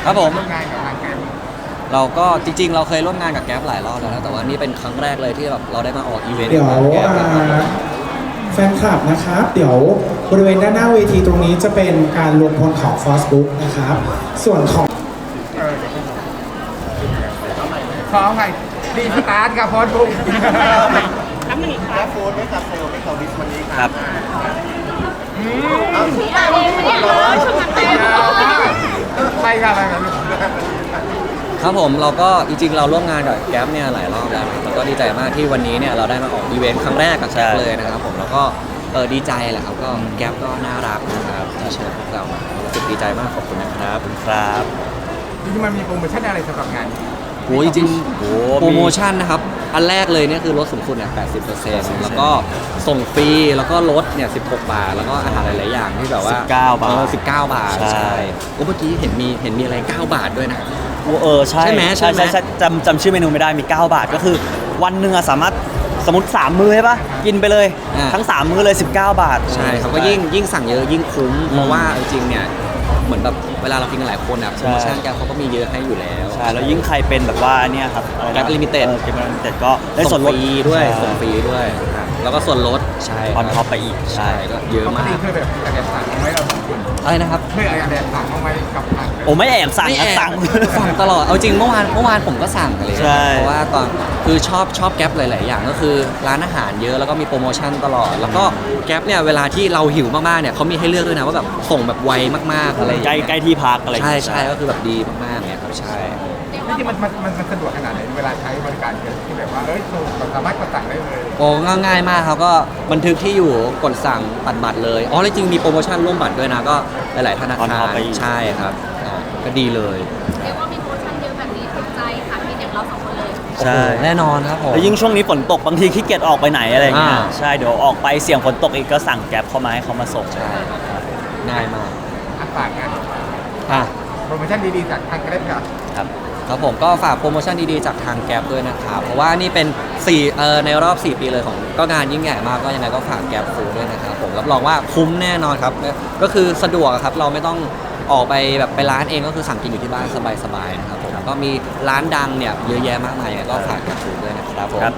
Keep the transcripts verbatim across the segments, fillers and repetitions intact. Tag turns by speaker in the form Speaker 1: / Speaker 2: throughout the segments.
Speaker 1: ครับผม
Speaker 2: ร่วมงานกับทางแกรม
Speaker 1: เราก็จริงๆเราเคยร่วมงานกับแก๊ปหลายรอบแล้วนะแต่ว่านี่เป็นครั้งแรกเลยที่แบบเราได้มาออกอีเวนต์
Speaker 3: เดี๋ยว
Speaker 1: กับแก๊ป
Speaker 3: อ่า
Speaker 1: นะครับ
Speaker 3: แฟนคลับนะครับ เดี๋ยวบริเวณด้านหน้าเวทีตรงนี้จะเป็นการรวมพลของ Facebook นะครับ ส่วนของ
Speaker 2: เออพร้อมไงดีสตาร์ทกับพอดบุ๊ก
Speaker 4: และโฟนไม่จับเซลล์ไม่เขาดิสวันนี้
Speaker 5: ค
Speaker 4: ค
Speaker 5: รั
Speaker 4: รับ บ
Speaker 6: พี่อาเองไม่ได้เลยช่วงนั้นเต็ม
Speaker 2: ไปกันอะไรกัน
Speaker 1: ครับผมเราก็จริงๆเราร่วมงานกับแก๊ปเนี่ยหลายรอบแล้วนะครับแล้วก็ดีใจมากที่วันนี้เนี่ยเราได้มาออกอีเวนต์ครั้งแรกกับแก๊ปเลยนะครับผมแล้วก็เออดีใจแหละครับก็แก๊ปก็น่ารักนะครับที่เชิญพวกเรามารู้สึกดีใจมากขอบคุณนะครับ
Speaker 5: ครับ
Speaker 2: จริงๆมันมีโปรโมชั่นอะไรสำหรับงานนี้
Speaker 1: โอ้ยจริงๆ
Speaker 5: โอ้
Speaker 1: โปรโมชั่นนะครับอันแรกเลยเนี่ยคือลดสูงสุดเนี่ยแปดสิบเปอร์เซ็นต์แล้วก็ส่งฟรีแล้วก็ลดเนี่ยสิบหกบาทแล้วก็อาหารหลายๆอย่างที่แบบว่า
Speaker 5: สิบเก้าบาท
Speaker 1: เออสิบเก้าบาท
Speaker 5: ใช่
Speaker 1: ใช่โอ้เมื่อกี้เห็นมีเห็นมีอะไรเก้าบาทด้วยนะ
Speaker 5: เออใช่
Speaker 1: ใช่ไหมใช่
Speaker 5: ใช่
Speaker 1: ไหม
Speaker 5: ใช่ใช่จำจำชื่อเมนูไม่ได้มี เก้า บาทก็คือวันหนึ่งอะสามารถสมมติสามมื้อใช่ปะกินไปเลย
Speaker 1: อ่า
Speaker 5: ทั้งสามมื้อเลย สิบเก้า บาท
Speaker 1: ใช่ครับก็ยิ่งยิ่งสั่งเยอะยิ่งคุ้มเพราะว่าจริงๆเนี่ยเหมือนแบบเวลาเรากินกันหลายคนอ่ะโปรโมชั่นแกเขาก็มีเยอะให้อยู่แล้ว
Speaker 5: ใช่แล้วยิ่งใครเป็นแบบว่าเนี่ยครับอะไรนะ
Speaker 1: แก๊ป Limited
Speaker 5: ออแก๊ปลิมิเต็ดก็ได้ส่วนลด
Speaker 1: ฟรีด้วย
Speaker 5: ใช่
Speaker 1: ส่งฟรีด้วยครับแล้วก็ส่วนลดใช่
Speaker 5: ออนท็อปไปอีก
Speaker 1: ใช่ก็เยอะ
Speaker 2: ปก
Speaker 1: มาก
Speaker 2: ติเคยแบบอยากจะสั่งเอาไว้เราสองคน
Speaker 1: อะไรนะครับ
Speaker 2: เคยอยากจะสั่งเอาไว้กับทาง
Speaker 5: โอ้ไม่แอบสั่ง
Speaker 1: ไม่
Speaker 5: นะ
Speaker 1: แอบ
Speaker 5: สั่ง
Speaker 1: สั่งตลอด เอาจริงเมื่อวานเมื่อวานผมก็สั่งอะไรอย่าง
Speaker 5: ใช่
Speaker 1: เลยเพราะว่าตอนคือชอบชอบแก๊ปหลาย ๆ อย่างก็คือร้านอาหารเยอะแล้วก็มีโปรโมชั่นตลอด แล้วก็แก๊ปเนี่ยเวลาที่เราหิวมาก ๆ เนี่ยเขามีให้เลือกด้วยนะว่าแบบส่งแบบไวมาก ๆ อะไรอย่าง
Speaker 5: ใกล้
Speaker 1: เงี้ย
Speaker 5: ใกล้ที่พักอะไรอย่าง
Speaker 1: ใช่
Speaker 5: เงี้ย
Speaker 1: ใช่ก็คือแบบดีมาก ๆ เนี่ยครับใช่
Speaker 2: จริงๆมันมันมันมันสะดวกขนาดไหนเวลาใช้บริการกันที่แบบว่าเอ้ยเราสามารถกดสั่งได้เลย
Speaker 1: โอ้ง่ายๆมากครับก็บันทึกที่อยู่กดสั่งปัดบัตรเลยอ๋อแล้วจริงมีโปรโมชั่นร่วมบัตรด้วยนะก็หลาย ๆ ธนา
Speaker 5: On
Speaker 1: คา
Speaker 5: top
Speaker 1: ร
Speaker 5: ไปอีก
Speaker 1: ใช่ครับอ่าก็ดีเลย
Speaker 6: เรียกว่ามีโปรโมชั่นเยอะแบบนี้ถูกใจค่ะพี่อย่างเราสองคนเลย
Speaker 5: ใช่
Speaker 1: โอ้โหแน่นอนครับผม
Speaker 5: แล้วยิ่งช่วงนี้ฝนตกบางทีขี้เกียจออกไปไหนอะไรอย่างเงี้ย
Speaker 1: อ่า
Speaker 5: ใช่เดี๋ยวออกไปเสี่ยงฝนตกอีกก็สั่งแก๊ปเข้ามาให้เขามาส่ง
Speaker 1: ใช่ครับง่ายมาก
Speaker 2: อันฝากงาน
Speaker 1: อ่ะ
Speaker 2: โปรโมชั่นดีๆจากทางแกร็บค่ะ
Speaker 5: ครับ
Speaker 1: ครับผมก็ฝากโปรโมชั่นดีๆจากทางแก๊ปด้วยนะครับเพราะว่านี่เป็นสี่เอ่อในรอบ สี่ ปีเลยของก็งานยิ่งใหญ่มากก็ยังไงก็ฝากแก๊ปฟูดด้วยนะครับผมรับรองว่าคุ้มแน่นอนครับก็คือสะดวกครับเราไม่ต้องออกไปแบบไปร้านเองก็คือสั่งกินอยู่ที่บ้านสบายๆนะครับผมก็มีร้านดังเนี่ยเยอะแยะมากมายยังไงก็ฝากแก๊ปฟูดด้วยนะครับผม
Speaker 5: ครับ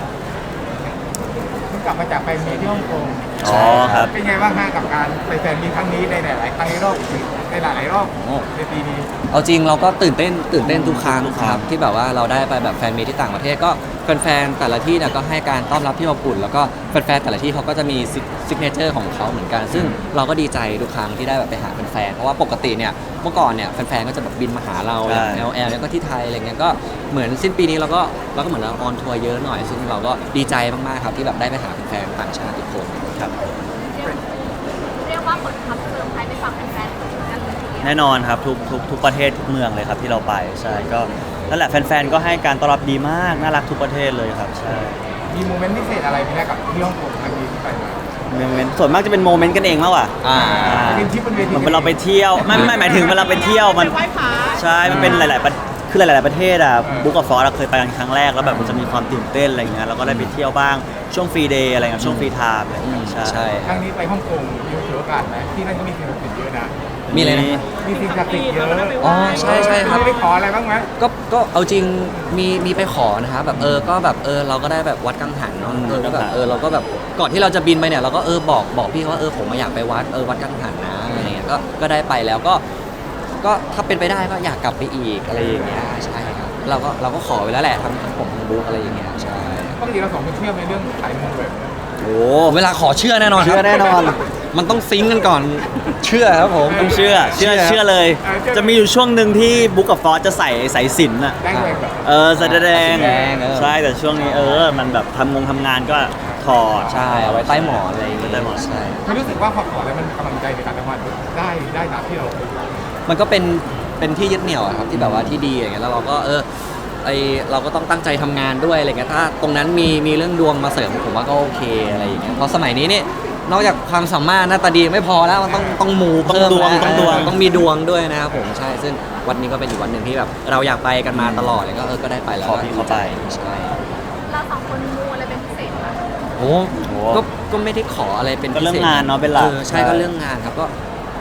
Speaker 2: เพิ่งกลับมาจากไปมีที่ฮ่องกง
Speaker 5: อ๋อครับ
Speaker 2: เป็นไงบ้างฮะกับการไปแฟนมีครั้งนี้ในหลายๆครั้งในรอบในหลายๆรอบในปีนี้
Speaker 1: เอาจริงเราก็ตื่นเต้นตื่นเต้นทุกครั้ง
Speaker 5: ทุก
Speaker 1: ค
Speaker 5: ครั้ง
Speaker 1: รับที่แบบว่าเราได้ไปแบบแฟนมีตที่ต่างประเทศก็แฟนๆแต่ละที่เนี่ยก็ให้การต้อนรับที่อบอุ่นแล้วก็แฟนๆแต่ละที่เขาก็จะมีซิกเนเจอร์ของเขาเหมือนกัน ซึ่งเราก็ดีใจทุกครั้งที่ได้แบบไปหาแฟนๆเพราะว่าปกติเนี่ยเมื่อก่อนเนี่ยแฟนๆก็จะแบบบินมาหาเราอย่าง แอล แอล เนี่ยก็ที่ไทยอะไรเงี้ยก็เหมือนสิ้นปีนี้เราก็เราก็เหมือนเราออนทัวร์เยอะหน่อย ซึ่งเราก็ดีใจมากๆครับที่แบบได้ไปหาแฟนๆต่างชาติทุกคนครับ
Speaker 6: เรียกว่าผลทำเซอร์ไพรส์ไปฝากแฟนๆกันเลยทีเดียว
Speaker 5: แน่นอนครับทุกทุกทุกประเทศทุกเมืองเลยครับที่เราไปใช่ก็นั่นแหละแฟนๆก็ให้การต้อนรับดีมากน่ารักทุกประเทศเลยครับใช่
Speaker 2: มีโมเมนต์พิเศษอะไรไหมกับที่ฮ่องกงครั้งนี้ที่ไปมา
Speaker 5: โมเมนต์ส่วนมากจะเป็นโมเมนต์กันเองมากกว่า
Speaker 1: อ่า
Speaker 2: เป็นที่บนเวที
Speaker 5: เหมือนเวลาเราไปเที่ยวไม่ไม่หมายถึงเวลาไปเที่ยวมันใช่มันเป็นหลาย ๆ ประคือหลาย ๆ ประเทศอ่ะบุ๊กกับฟอสเราเคยไปกันครั้งแรกแล้วแบบมันจะมีความตื่นเต้นอะไรเงี้ยเราก็ได้ไปเที่ยวบ้างช่วงฟรีเดย์อะไรเงี้ยช่วงฟรีไทม์อะไรเงี้ย
Speaker 1: ใช่
Speaker 5: ใช่
Speaker 2: ครั้งนี้ไปฮ่องกงมีโอกาสไหมที่นั่นก็มีสิ่งศักดิ์สิทธิ์เยอะนะ
Speaker 1: มีอะไรนะ
Speaker 2: มีสิ่งศักดิ์สิทธิ์เยอะ
Speaker 1: อ๋อใช่ใช่ครับ
Speaker 2: ไม่ได้ขออะไรบ้างไหม
Speaker 1: ก็ก็เอาจริงมีมีไปขอนะครับแบบเออก็แบบเออเราก็ได้แบบวัดกังหันเนาะเออก็แบบเออเราก็แบบก่อนที่เราจะบินไปเนี่ยเราก็เออบอกบอกพี่เขาว่าเออผมมาอยากไปวัดเออวัดกังหันนะอะไรเงี้ยก็ก็ได้ไปแล้วก็ก็ถ้าเป็นไปได้ก็อยากกลับไปอีกอะไรอย่างเงี้ยใช่ครับเราก็เราก็ขอไว้แล้วแหละทั้งทั้งผมทั้งบุ๊กอะไรอย่างเงี้ยใช่
Speaker 2: ปกติเราสองคนเชื่อในเรื่องสายมูแบบนี้
Speaker 1: โอ้เวลาขอเชื่อแน่นอนครับ
Speaker 5: เชื่อแน่นอน
Speaker 1: มันต้องซิงค์กันก่อนเชื่อครับผม
Speaker 5: ต้องเชื่อเชื่อ
Speaker 1: เชื่อ
Speaker 5: เชื่อเลย จะมีอยู่ช่วงหนึ่งที่บุ๊กกับฟอสจะใส่สายสิญจนอ่ะ
Speaker 2: ได้เลยแบบ
Speaker 5: เออแสดง
Speaker 1: แสดงเออ
Speaker 5: ใช่แต่ช่วงนี้เออมันแบบทำงงทำงานก็ถอด
Speaker 1: ใช่เอาไว้ใต้หมอนอะไรอย่างเงี้ย
Speaker 5: ใต้หมอน
Speaker 1: ใช่
Speaker 2: ไม่รู้สึกว่าพอขอแล้วมันกำลังใจในการทำงานได้ได้ตามที่เรา
Speaker 1: มันก็เป็นเป็นที่ยึดเหนี่ยวอะครับที่แบบว่าที่ดีอย่างเงี้ยแล้วเราก็เออไอเราก็ต้องตั้งใจทำงานด้วยอะไรเงี้ยถ้าตรงนั้นมีมีเรื่องดวงมาเสริมผมว่าก็โอเคอะไรอย่างเงี้ยเพราะสมัยนี้นี่นอกจากความสามารถหน้าตาดีไม่พอแล้วมันต้องต้องมู
Speaker 5: ต้อง
Speaker 1: เพิ่ม
Speaker 5: ดวง
Speaker 1: นะ
Speaker 5: ต้องดวง
Speaker 1: ต้องมีดวงด้วยนะครับผมใช่ซึ่งวันนี้ก็เป็นอีกวันหนึ่งที่แบบเราอยากไปกันมาตลอดเลยก็เออก็ได้ไปแล้ว
Speaker 5: ขอพี่เขาไป
Speaker 1: ใช่
Speaker 6: เราสองคนมูอะไรเป็นพิเศษไหม
Speaker 1: โอ้
Speaker 5: โอ้
Speaker 1: ก็ก็ไม่ได้ขออะไรเป็น
Speaker 5: ก็เรื่อง
Speaker 1: พิศษ
Speaker 5: งานเนาะเป็นหลัก
Speaker 1: ออใช่ก็เรื่องงานครับก็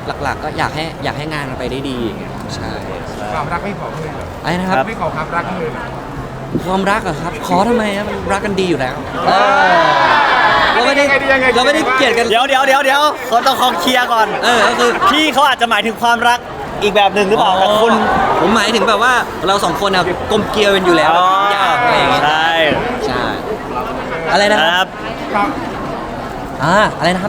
Speaker 1: หลักๆ ก็อยากให้อยากให้งานมันไปได้ดีอย่างเงี้ยใช่
Speaker 2: ความรักไม่ขอเลยเหรอ
Speaker 1: ไอ้นะครับ
Speaker 2: ไม่ขอความรักเลยเหรอ
Speaker 1: ความรักเหรอะครับ ขอทำไมอะมันรักกันดีอยู่แล้วเออเราไม่ได้
Speaker 2: ยังไงดียังไงดี
Speaker 1: เราไม่ได้เกลียดกัน
Speaker 5: เดี๋ยวเดี๋ยวเดี๋ยวเดี๋ยวเขาต้องขอเคลียร์ก่อน
Speaker 1: เออก็คือ
Speaker 5: พี่เขาอาจจะหมายถึงความรักอีกแบบหนึ่งหรือเปล่าแต่คุณ
Speaker 1: ผมหมายถึงแบบว่าเราสองคนอะกลมเกลียวกันอยู่แล้ว
Speaker 5: อ๋อ
Speaker 1: อยากอะไรอย่างเงี้ย
Speaker 5: ใช่
Speaker 1: ใช่อะไรนะ
Speaker 5: นะ
Speaker 1: ค
Speaker 5: ค
Speaker 1: รั
Speaker 5: รับ บ
Speaker 2: ครับ
Speaker 1: อ่าอะไรนะครับ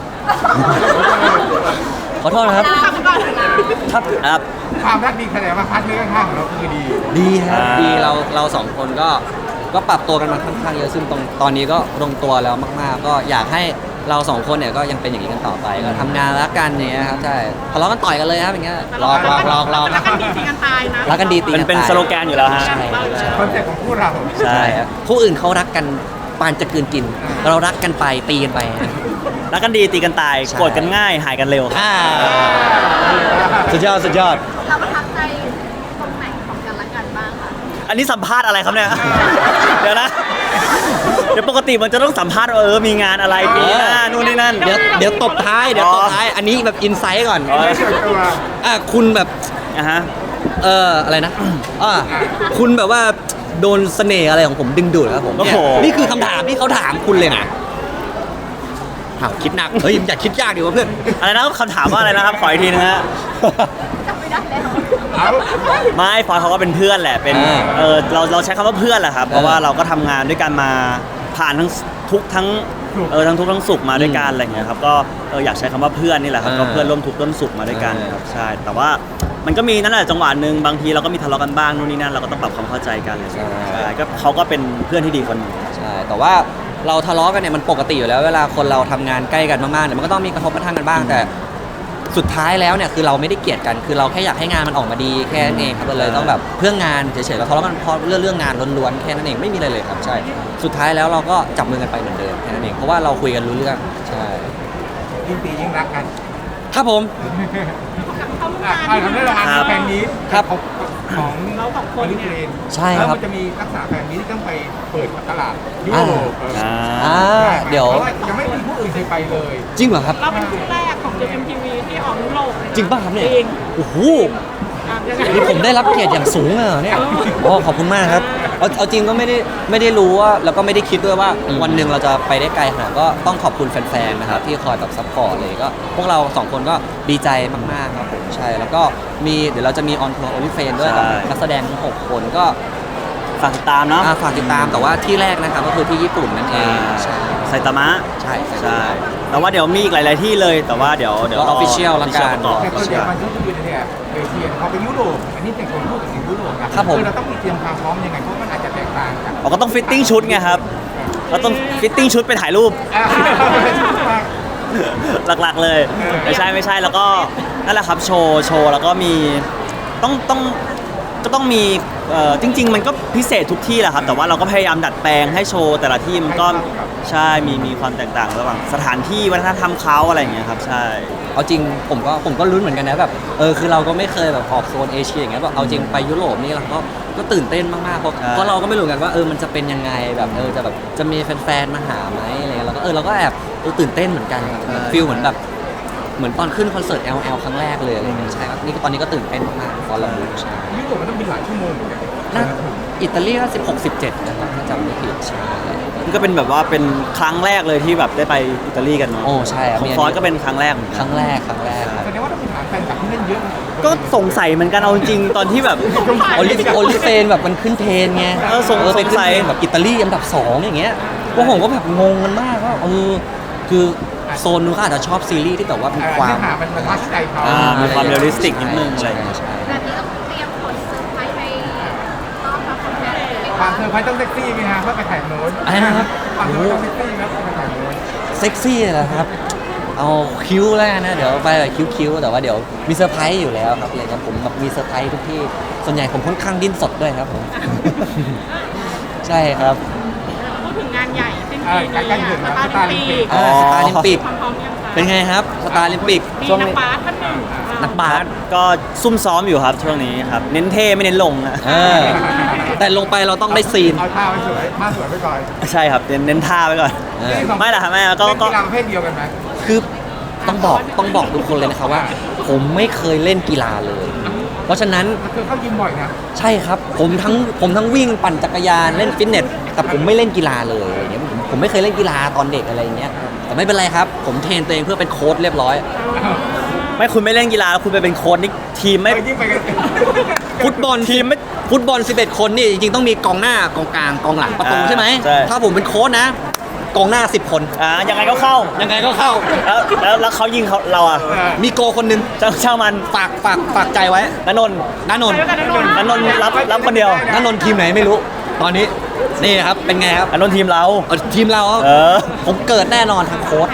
Speaker 1: ขอโทษนะครับ
Speaker 6: ทำก่อนนะ
Speaker 1: ครับ
Speaker 5: ครับ
Speaker 2: ความรักดีแสดงว่าพาร์ทเนอร์ข้างๆของเราคือดี
Speaker 1: ดีครับ
Speaker 5: อ่า
Speaker 1: ดีเราเราสองคนก็ก็ปรับตัวกันมาค่อนข้างเยอะซึ่งตรงตอนนี้ก็ลงตัวแล้วมาก ๆ ก็อยากให้เราสองคนเนี่ยก็ยังเป็นอย่างนี้กันต่อไปก็ทำงานรักกันอย่างเงี้ยครับใช่ทะเลาะกันต่อยกันเลยครับอย่างเงี้ยหลอกหลอกหลอกหลอก
Speaker 6: รักกันดีตีกันตายนะ
Speaker 1: รักกันดีตี
Speaker 5: เป็น
Speaker 1: กัน
Speaker 5: เป็น
Speaker 1: ตาย
Speaker 5: สโลแกนอยู่แล้วฮะ
Speaker 1: ใช่ใช่
Speaker 2: คอนเซ็ปต์ของคู่เรา
Speaker 5: ใช่
Speaker 1: ใช่ครับผู้อื่นเขารักกันปานจะกลืนกิน เรารักกันไปตีกันไป
Speaker 5: รักกันดีตีกันตาย
Speaker 1: ใช่
Speaker 5: โกรธกันง่ายหายกันเร็วครับ
Speaker 1: อ่าสุดยอดสุดยอด
Speaker 6: เราประทับใจตรงไหนของกันและกันบ้างคะ
Speaker 5: อันนี้สัมภาษณ์อะไรครับเนี่ย เดี๋ยวนะ เดี๋ยวปกติมันจะต้องสัมภาษณ์ว่าเออมีงานอะไรปีหน้านู่นนี่นั่น
Speaker 1: เดี๋ยวเดี๋ยวตบท้ายเดี๋ยวตบ
Speaker 5: อ๋อ
Speaker 1: ท้ายอันนี้แบบอินไซต์ก่อน
Speaker 5: อ๋อ
Speaker 2: ส่วนตัว
Speaker 1: อ่ะคุณแบบ
Speaker 5: อ่ะฮะ
Speaker 1: เอออะไรนะอ่าคุณแบบว่าโดนเสน่ห์อะไรของผมดึงดูดครับผมเนี่ย
Speaker 5: โอ้โห
Speaker 1: นี่คือคำถามที่เขาถามคุณเลยนะอ้าวคิดหนักเฮ้ยอย่าคิดยากดีกว่าเพื่อน
Speaker 5: อะไรนะคำถามว่าอะไรนะครับ ขออีกทีนึงฮะ
Speaker 6: จำไม่ได้แล้ว
Speaker 2: เอา
Speaker 5: ไม่ฟอยเขาก็เป็นเพื่อนแหละ เป็น
Speaker 1: อ่า
Speaker 5: เออเราเราใช้คำว่าเพื่อนแหละครับ เพราะว่าเราก็ทำงานด้วยกันมาผ่านทั้งทุกข์ทั้งเออทั้งทุกข์ทั้งสุขมาด้วยกันอะไรเงี้ยครับ ก็เอออยากใช้คำว่าเพื่อนนี่แหละครับ
Speaker 1: อ่า
Speaker 5: ก็เพื่อนร่วมทุกข์ร่วมสุขมาด้วยกัน
Speaker 1: อ่า
Speaker 5: ครับ ใช่ แต่ว่ามันก็มีนั่นแหละจังหวะหนึ่งบางทีเราก็มีทะเลาะกันบ้างนู่นนี่นั่นเราก็ต้องปรับความเข้าใจกันอะไรเงี้ยใช่ก็เขาก็เป็นเพื่อนที่ดีคนหนึง
Speaker 1: ใช่แต่ว่าเราทะเลาะกันเนี่ยมันปกติอยู่แล้วเวลาคนเราทำงานใกล้กันมากๆเนี่ยมันก็ต้องมีกระทบกระทั่งกันบ้าง แต่สุดท้ายแล้วเนี่ยคือเราไม่ได้เกลียดกัน คือเราแค่อยากให้งานมันออกมาดีแค่นั้นเองครับเราเลยต้องแบบเพื่องานเฉยๆเราทะเลาะกันเพราะเรื่องเรื่องงานล้วนๆแค่นั้นเองไม่มีอะไรเลยครับใช่สุดท้ายแล้วเราก็จับมือกันไปเหมือนเดิมแค่นั้นเองเพราะว่าเราคุยกันรู้เรื่องใช่
Speaker 2: ยิ่งตียิ่งรักกัน
Speaker 1: ครับผม
Speaker 2: อ่ะอ่ะทำได้ละงานแฟนนี้
Speaker 1: ครับ
Speaker 2: ของของเราของคนลิเกน
Speaker 1: ใช่ครับ
Speaker 2: แล้วมันจะมีลักษณะแฟนนี้ที่ต้องไปเปิดตลาดยุโรปเออ
Speaker 5: อ่า
Speaker 1: อ่าเดี๋ยว
Speaker 2: พราะายังไม่มีผู้อื่นเคยไปเลย
Speaker 1: จริงเหรอครับ
Speaker 7: เราเป็นคู่แรกของ เจ เอ็ม ที วี ที่ออกยุโรปเลยนะ
Speaker 1: จริงป่ะครับเนี่ย
Speaker 7: จริง
Speaker 1: โอ้โห
Speaker 7: อ่ะยังไง
Speaker 1: นี่ผมได้รับเกียรติอย่างสูงเลยเหรอเนี่ยโอ้ขอบคุณมากครับเอาเอาจริงก็ไม่ได้ไม่ได้รู้ว่าแล้วก็ไม่ได้คิดด้วยว่าวันหนึ่งเราจะไปได้ไกลขนาดก็ต้องขอบคุณแฟนๆนะครับที่คอยแบบซัพพอร์ตเลยก็พวกเราสองคนก็ดีใจมากๆครับผมใช่แล้วก็มีเดี๋ยวเราจะมีออนทัวร์โอลิเฟนด้วยกับ
Speaker 5: ใช่
Speaker 1: นักแสดงทั้งหกคนก็
Speaker 5: ฝากติดตามเนาะ
Speaker 1: อ่าฝากติดตามแต่ว่าที่แรกนะครับก็คือที่ญี่ปุ่นนั่นเองใช่
Speaker 5: ไซตามะ
Speaker 1: ใช่
Speaker 5: ใช่ แต่ว่าเดี๋ยวมีอีกหลาย ๆ ที่เลย แต่ว่าเดี๋ยวเดี๋ยว
Speaker 1: ก็
Speaker 5: ร
Speaker 1: official ละกัน
Speaker 5: ต่อ
Speaker 2: แต่ส่วนใหญ่มันก็คือในเนี่ยเอเชียเขาไปยุโรปอันนี้เป็นคนพูดถึงยุโรปนะครับ
Speaker 1: ผม
Speaker 2: อเราต้องมีเตรียมความพร้อมยังไงเพราะมันอาจจะแตกต่างกัน
Speaker 5: เราก็ต้องฟิตติ้งชุดไงครับ เราต้องฟิตติ้งชุดไปถ่ายรูป
Speaker 2: อ่ะ
Speaker 5: หลัก ๆ เลย ไม่ใช่ไม่ใช่ แล้วก็นั่นแหละครับโชว์โชว์แล้วก็มีต้องต้องก็ต้องมีเอ่อจริง ๆ มันก็พิเศษทุกที่แหละครับ แต่ว่าเราก็พยายามดัดแปลงให้โชว์แต่ละที่มันก็ใช่มีมีความแตกต่างระหว่างสถานที่วัฒนธรรมเขาอะไรอย่างเงี้ยครับใช่
Speaker 1: เอาจริงผมก็ผมก็ลุ้นเหมือนกันนะแบบเออคือเราก็ไม่เคยแบบออกโซนเอเชียอย่างเงี้ยแบบเอาจริงไปยุโรปนี่เราก็ก็ตื่นเต้นมากๆเพราะ
Speaker 5: ใช่
Speaker 1: เพราะเราก็ไม่รู้กันว่าเออมันจะเป็นยังไงแบบเออจะแบบจะมีแฟนๆมาหาไหมอะไรเงี้ยเราก็เออเราก็แอบเออตื่นเต้นเหมือนกันฟีลเหมือนแบบเหมือนตอนขึ้นคอนเสิร์ต แอล แอล ครั้งแรกเลยอะไรเงี้ยใช่ครับนี่ก็ตอนนี้ก็ตื่นเต้นมากๆตอนเราดูใช่
Speaker 2: ยุโรปมันต้องบินหลายชั่วโมงเหมือนกัน
Speaker 1: น่าอิตาลีก็สิบหกสิบเจ็ดนะครับถ้าจำไม่ผิดใช่
Speaker 5: นี่ก็เป็นแบบว่าเป็นครั้งแรกเลยที่แบบได้ไปอิตาลีกันเนาะ
Speaker 1: โอ้ใช่ครับ
Speaker 5: ของฟอสก็เป็นครั้งแรกเหมือน
Speaker 1: ค
Speaker 5: กัน
Speaker 1: รั้งแรกครั้งแรกครับ
Speaker 2: แสดงว่าต้องมีฐานแฟนคลับที่นั่นเยอะนะ
Speaker 5: ก็สงสัยเหมือนกันเอาจริงๆตอนที่แบบ
Speaker 1: โอลิโอลิเฟนแบบมันขึ้นเทรนไง
Speaker 5: เออสง
Speaker 1: ไปขึ้น
Speaker 5: สงสัย
Speaker 1: เทรนแบบอิตาลีอันดับสองอย่างเงี้ยพวกผมก็แบบงงกันมากว่าเออคือโซนนู้นเขาอาจจะชอบซีรีส์ที่แบบว่ามี
Speaker 2: เอ่อ
Speaker 1: ความ
Speaker 2: เนื้อหามันมันทัชใจเขา
Speaker 5: อ่ามีความเรียลลิสติกนิดนึงอะไรอย่างเงี้ย
Speaker 1: ใช่
Speaker 6: แบบนี้ต้องเตรียมผลเซอร์ไพรส์ไปต้อนรับแฟนๆเลยไหม
Speaker 2: ความ
Speaker 6: คะ
Speaker 2: เธอร์ไพรส์ต้องเซ็กซี่ไหมฮะเพื่อไปถ่ายโน้น
Speaker 1: อะไรนะครับ
Speaker 2: ความเธอร์ไพรส์ต้องเซ็กซี่ไหมเพื่อไปถ่ายโน้น
Speaker 1: เซ็กซี่เหรอครับ เอาคิ้วแล้วกันนะเดี๋ยวไปแบบคิ้วๆแต่ว่าเดี๋ยวมีเซอร์ไพรส์อยู่แล้วครับเลยครับผมแบบมีเซอร์ไพรส์ทุกที่ส่วนใหญ่ผมค่อนข้างดิ้นสดด้วยครับผม ใช่ครับ
Speaker 7: พูดถึงงานใหญ่สิ้น
Speaker 2: เอ
Speaker 7: ปี
Speaker 2: อใกล้
Speaker 7: นี้
Speaker 2: ๆถึงแล้ว
Speaker 7: ส
Speaker 2: ส
Speaker 7: ตา
Speaker 2: ตา
Speaker 7: ร์
Speaker 2: ร์
Speaker 7: ลิ
Speaker 2: ลิ
Speaker 7: ม
Speaker 2: ม
Speaker 7: ปิ
Speaker 2: ปิ
Speaker 7: ก
Speaker 2: ก
Speaker 1: อ่าสตาร์ลิมปิก
Speaker 7: ความพร้อมยังคะ
Speaker 1: เป็นไงครับสตาร์ลิมปิก
Speaker 7: มี
Speaker 1: ช่วง
Speaker 7: นัก
Speaker 1: นี้
Speaker 7: บาสท่านหนึ่งอ่า
Speaker 1: นักบาส
Speaker 5: ก็ซุ่มซ้อมอยู่ครับช่วงนี้ครับ เน้นเท่ไม่เน้นลงนะ
Speaker 1: เออแต่ลงไปเราต้องได้ซีน
Speaker 2: เอาท่าไว้สวยท่าสวยไปก่อน
Speaker 5: ใช่ครับเน้นเน้นท่าไว้ก่อน
Speaker 1: เออ
Speaker 5: ไม่ล่ะครับแม่ก็
Speaker 2: เล่น
Speaker 5: ก็
Speaker 2: กีฬาประเภทเดียวกันไหม
Speaker 1: คือต้องบอกต้องบอกทุกคนเลยนะครับว่าผมไม่เคยเล่นกีฬาเลย เพราะฉะนั้น
Speaker 2: มันคือเข้ายิมบ่อยนะ
Speaker 1: ใช่ครับผมทั้งผมทั้งวิ่งปั่นจักรยานเล่นฟิตเนสแต่ผมไม่เล่นกีฬาเลยอย่างเงี้ยผมผมไม่เคยเล่นกีฬาตอนเด็กอะไรอย่างเงี้ยแต่ไม่เป็นไรครับ ผมเทรนตัวเองเพื่อเป็นโค้ชเรียบร้อย
Speaker 5: ไม่คุณไม่เล่นกีฬาแล้วคุณไปเป็นโค้ชนี่ทีมไม่
Speaker 2: เออยิ่งไปกัน
Speaker 1: ฟุตบอลทีมไม่ฟุตบอลสิบเอ็ดคนนี่จริงๆต้องมีกองหน้ากองกลางกองหลังประตู
Speaker 5: อ่า
Speaker 1: ใช่ไหม
Speaker 5: ใช่
Speaker 1: ถ้าผมเป็นโค้ชนะกองหน้าสิบคน
Speaker 5: อ่ายังไงก็เข้า
Speaker 1: ยังไงก็เข้า
Speaker 5: แล้วแล้วแล้วเขายิงเขาเราอ่ะ
Speaker 1: มีโกคนหนึง
Speaker 5: เจ้าเช่ามัน
Speaker 1: ฝากฝากฝากใจไว้
Speaker 5: นนนท์
Speaker 1: นานนท์
Speaker 7: ไปด้วยกันนะนนท์
Speaker 5: นนท์รับรับคนเดียว
Speaker 1: นานนท์ทีมไหนไม่รู้ ตอนนี้นี่ครับเป็นไงครับ
Speaker 5: นนท์ทีมเรา
Speaker 1: เอาทีมเราครับ
Speaker 5: เออ
Speaker 1: ผมเกิดแน่นอนทางโค้ช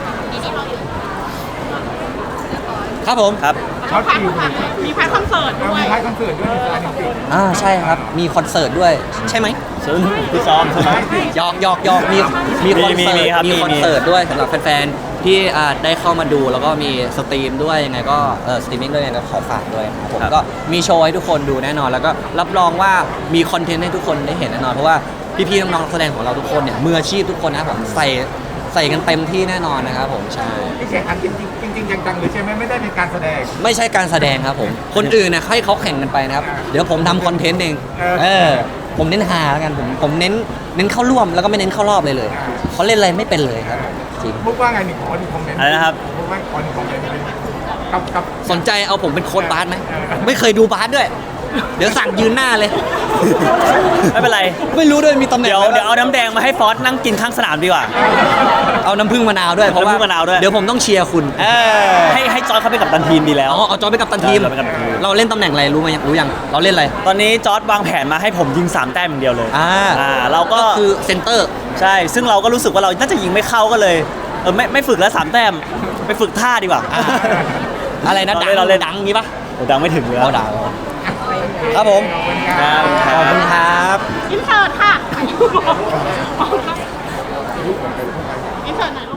Speaker 1: ครับผม
Speaker 5: ครับ
Speaker 2: เขา
Speaker 7: พาร์ท
Speaker 2: คิว
Speaker 7: มีพาร์ทคอนเสิร์ต
Speaker 2: เรา
Speaker 7: ด้ว
Speaker 2: มี
Speaker 7: ย
Speaker 2: พาร์ทคอนเสิร์ตด้วยในการจริง
Speaker 1: อ่าใช่ครับมีคอนเสิร์ตด้วยใช่ไหม
Speaker 5: ซึ่งพี่ซ้อมใช่ไหม
Speaker 1: หยอกหยอกหยอกมีมีคอนเสิ
Speaker 5: มีมี
Speaker 1: ร์ต
Speaker 5: ครับ
Speaker 1: มี
Speaker 5: มี
Speaker 1: คอนเสิร์ตด้วยสำหรับแฟนๆที่อ่าได้เข้ามาดูแล้วก็มีสตรีมด้วยยังไงก็เออสตรีมมิ่งด้วยยังไงก็ขอฝากด้วยครับผม
Speaker 5: ครับ
Speaker 1: ก็มีโชว์ให้ทุกคนดูแน่นอน แล้วก็รับรองว่ามีคอนเทนต์ให้ทุกคนได้เห็นแน่นอนเพราะว่าพี่ๆน้องๆนักแสดงของเราทุกคนเนี่ยมืออาชีพทุกคนนะครับผมใส่ใส่กันเต็มที่แน่นอนนะครับผมใช่
Speaker 2: ๆที่แข่งขันจริงจริงจริงๆจังๆเลยใช่ไหมไม่ได้เป็นการแสดง
Speaker 1: ไม่ใช่การแสดงครับผม คนอื่นนะให้เขาแข่งกันไปนะครับ เดี๋ยวผมทำคอนเทนต์เอง
Speaker 2: เออ
Speaker 1: เออ ผมเน้นหาแล้วกันผมผมเน้นเน้นเข้าร่วมแล้วก็ไม่เน้นเข้ารอบเลยเลยเขาเล่นอะไรไม่เป็นเลยครับจริง
Speaker 2: มุกว่าไงหนึ่งคนหนึ่งคอมเมนต์
Speaker 5: อะไรนะครับ
Speaker 2: มุกว่าคนหนึ่งคอมเมนต์กับกับ
Speaker 1: สนใจเอาผมเป็นโค้ชบาสไหมไม่เคยดูบาสด้วย เดี๋ยวสั่งยืนหน้าเลย
Speaker 5: ไม่เป็นไร
Speaker 1: ไม่รู้ด้วยมีตำแหน่ง
Speaker 5: เดี๋ยว
Speaker 1: อะไร
Speaker 5: เดี๋ยวเอาน้ำแดงมาให้ฟอสนั่งกินข้างสนามดีกว่า
Speaker 1: เอาน้ำผึ้งมะนาวด้วยเพราะว่า
Speaker 5: น้ำผึ้งมะนาวด้วย
Speaker 1: เดี๋ยวผมต้องเชียร์คุณ
Speaker 5: เออให้ให้จอยเขาไปนกับตันทีมดีแล้ว
Speaker 1: อ๋อเอาจอยไปกับตันทีม
Speaker 5: จอยไปกัปตันทีม
Speaker 1: เราเล่นตำแหน่งอะไรรู้ไหมรู้ยังเราเล่นอะไร
Speaker 5: ตอนนี้จอร์ดวางแผนมาให้ผมยิงสามแต้มอย่างเดียวเลย
Speaker 1: อ่า
Speaker 5: อ่าเราก็
Speaker 1: ก็คือเซนเตอร์
Speaker 5: ใช่ ซึ่งเราก็รู้สึกว่าเราน่าจะยิงไม่เข้าก็เลยเออไม่ไม่ฝึกแล้วสามแต้มไปฝึกท่าดีกว่า
Speaker 1: อ่า อะไรนะดัง
Speaker 5: เราเล่น
Speaker 1: ดังงี้ปะ
Speaker 5: โอ้ดังไม่ถึงเลย
Speaker 1: เอาดังครับผม
Speaker 5: ครับ
Speaker 1: ขอบคุณครับ
Speaker 7: อินเสิร์ตค่ะอินเสิร์ตหน่อย